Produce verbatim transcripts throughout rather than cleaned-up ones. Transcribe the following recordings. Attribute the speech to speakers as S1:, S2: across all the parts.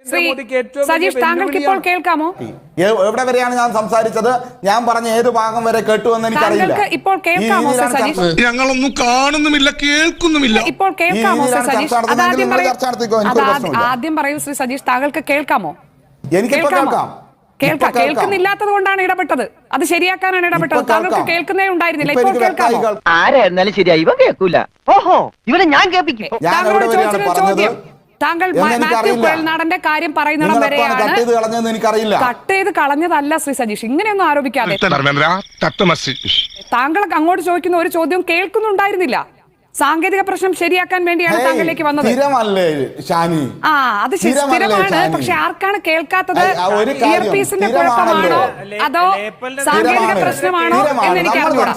S1: സജീഷ്, താങ്കൾക്ക് ഇപ്പോൾ കേൾക്കാമോ?
S2: എവിടെ വരെയാണ് ഞാൻ സംസാരിച്ചത്? ഞാൻ പറഞ്ഞ ഏത് ഭാഗം വരെ കേട്ടുവെന്ന് എനിക്കറിയില്ല.
S1: ഇപ്പോൾ കേൾക്കാമോ സജീഷ്?
S3: ഞങ്ങളൊന്നും കാണുന്നുമില്ല, കേൾക്കുന്നുമില്ല.
S1: ഇപ്പോൾ കേൾക്കാമോ സജീഷ്? ആദ്യം പറയൂ ശ്രീ സജീഷ്, താങ്കൾക്ക് കേൾക്കാമോ?
S2: എനിക്കിപ്പോ കേൾക്കാം.
S1: കേൾക്കാം. കേൾക്കുന്നില്ലാത്തത് കൊണ്ടാണ് ഇടപെട്ടത്. അത് ശരിയാക്കാനാണ് ഇടപെട്ടത്. താങ്കൾക്ക് കേൾക്കുന്നേ ഉണ്ടായിരുന്നില്ല. ഇപ്പോൾ കേൾക്കാമോ?
S4: ആരായിരുന്നാലും ശരിയാ, ഇവ കേൾക്കൂല. ഓഹോ, ഇവനെ ഞാൻ കേൾപ്പിക്കും.
S1: താങ്കളോട് ചോദിച്ചൊരു ചോദ്യം, താങ്കൾ മാത്യു കുഴൽനാടന്റെ കാര്യം പറയുന്നിടം വരെയാണ്. കട്ട് ചെയ്ത് കളഞ്ഞതല്ല ശ്രീ സജീഷ്, ഇങ്ങനെയൊന്നും ആരോപിക്കാതെ. താങ്കൾ അങ്ങോട്ട് ചോദിക്കുന്ന ഒരു ചോദ്യം കേൾക്കുന്നുണ്ടായിരുന്നില്ല. സാങ്കേതിക പ്രശ്നം ശരിയാക്കാൻ വേണ്ടിയാണ് താങ്കളിലേക്ക് വന്നത്. ആ അത് സ്ഥിരമാണ്. പക്ഷെ ആർക്കാണ് കേൾക്കാത്തത്? ഇയർപീസിന്റെ കുഴപ്പമാണോ അതോ സാങ്കേതിക പ്രശ്നമാണോ എന്ന് എനിക്ക് അറിഞ്ഞൂടാ.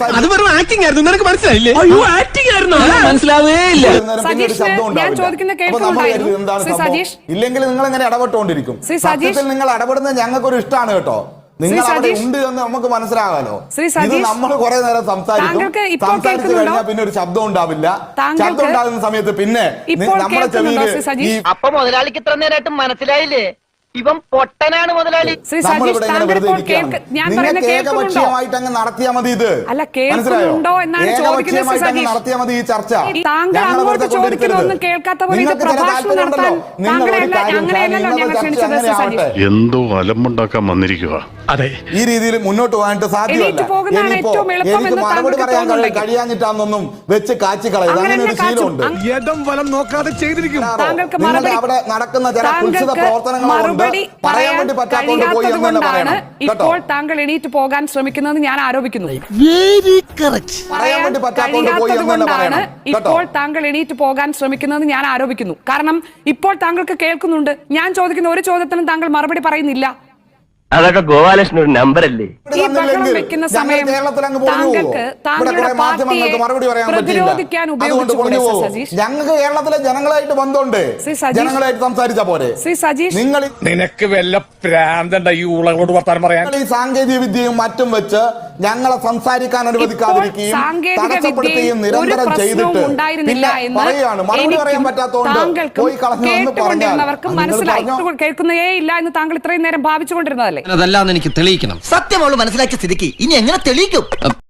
S1: സജീഷ്, ഞാൻ ചോദിക്കുന്ന കേൾക്കുന്നുണ്ടായിരുന്നു ശ്രീ സജീഷ്.
S2: ഇല്ലെങ്കിൽ നിങ്ങൾ ഇങ്ങനെ ഇടപെട്ടുകൊണ്ടിരിക്കും. സത്യത്തിൽ നിങ്ങൾ ഇടപെടുന്നത് ഞങ്ങൾക്കൊരു ഇഷ്ടമാണ് കേട്ടോ. നിങ്ങൾ അവിടെ ഉണ്ട് എന്ന് നമുക്ക് മനസ്സിലാകാലോ. ഇത് നമ്മൾ കുറെ നേരം സംസാരിക്കും. സംസാരിച്ചു കഴിഞ്ഞാൽ പിന്നെ ഒരു ശബ്ദം ഉണ്ടാവില്ല. ശബ്ദം ഉണ്ടാകുന്ന സമയത്ത് പിന്നെ നമ്മുടെ ചെവിയിൽ
S4: അപ്പൊ മുതലാളിക്ക് ഇത്ര നേരമായിട്ട് മനസ്സിലായില്ലേ ഇവൻ പൊട്ടനാണ് മുതലാളി.
S2: നമ്മളിവിടെ ഇങ്ങനെ വെറുതെ ഇരിക്കുകയാണ്. നിങ്ങൾക്ക് ഏകപക്ഷീയമായിട്ട് അങ്ങ് നടത്തിയാൽ മതി. ഇത് മനസ്സിലായോ? ഏകപക്ഷീയമായിട്ട് അങ്ങ് നടത്തിയാൽ മതി ഈ ചർച്ച. ഞങ്ങൾ വെറുതെ കൊണ്ടിരിക്കരുത്. നിങ്ങൾക്ക് ചില താല്പര്യമുണ്ടല്ലോ. നിങ്ങൾ ഒരു കാര്യം ആവട്ടെ,
S3: എന്തോ അലമ്പുണ്ടാക്കാൻ വന്നിരിക്കുക.
S5: അതെ,
S2: ഈ രീതിയിൽ മുന്നോട്ട് പോകാനായിട്ട് സാധ്യമല്ല. ഇനിയിപ്പോ എനിക്ക് മറുപടി പറയാൻ കഴിയാഞ്ഞിട്ടാണെന്നൊന്നും വെച്ച് കാച്ചി കളയുന്നത്. അങ്ങനെ ഒരു ശീലമുണ്ട്.
S5: ഇടം വലം നോക്കാതെ ചെയ്തിരിക്കും.
S2: നിങ്ങളുടെ അവിടെ നടക്കുന്ന ചില കുൽസിത പ്രവർത്തനങ്ങളുണ്ട്. പറയാൻ വേണ്ടി പറ്റാത്തതുകൊണ്ട് പോയി എന്ന് തന്നെ പറയണം.
S1: ഇപ്പോൾ താങ്കൾ എണീറ്റ് പോകാൻ ശ്രമിക്കുന്നത് ഞാൻ ആരോപിക്കുന്നു.
S2: പറയാൻ വേണ്ടി പറ്റാത്തതുകൊണ്ട് പോയി എന്ന് തന്നെ പറയണം.
S1: ഇപ്പോൾ താങ്കൾ എണീറ്റ് പോകാൻ ശ്രമിക്കുന്നത് ഞാൻ ആരോപിക്കുന്നു. കാരണം ഇപ്പോൾ താങ്കൾക്ക് കേൾക്കുന്നുണ്ട്. ഞാൻ ചോദിക്കുന്ന ഒരു ചോദ്യത്തിനും താങ്കൾ മറുപടി പറയുന്നില്ല.
S4: അതൊക്കെ ഗോപാലകൃഷ്ണൻ ഒരു നമ്പർ അല്ലേ?
S1: ഈ ബഹളം വെക്കുന്ന സമയം താങ്കൾക്ക് താങ്കളുടെ പാർട്ടിയെ പ്രതിരോധിക്കാൻ ഉപയോഗിച്ചുകൂടെ സജീഷ്?
S2: ഞങ്ങൾക്ക് കേരളത്തിലെ ജനങ്ങളായിട്ട് ബന്ധമുണ്ട്. ജനങ്ങളായിട്ട് സംസാരിച്ച പോലെ.
S1: ശ്രീ സജീഷ്,
S5: നിനക്ക് വല്ല പ്രാന്തണ്ട ഈ ഉളകളോട് വർത്താനം പറയാൻ?
S2: ഈ സാങ്കേതിക വിദ്യയും മറ്റും വെച്ച് ഞങ്ങളെ സംസാരിക്കാൻ അനുവദിക്കാതിരിക്കുകയും തടസ്സപ്പെടുത്തുകയും നിരന്തരം ചെയ്തിട്ട് പിന്നെ പറയുകയാണ് മറുപടി പറയാൻ പറ്റാത്തതുകൊണ്ട് പോയി കളഞ്ഞു
S1: കേട്ടുകൊണ്ടിരുന്നവർക്ക് മനസ്സിലായി കേൾക്കുന്നേ ഇല്ല എന്ന് താങ്കൾ ഇത്രയും നേരം ഭാവിച്ചുകൊണ്ടിരുന്നതല്ലേ?
S6: അതല്ലാന്ന് എനിക്ക് തെളിയിക്കണം.
S4: സത്യം അവള് മനസ്സിലാക്കിയ സ്ഥിതിക്ക് ഇനി എങ്ങനെ തെളിയിക്കും?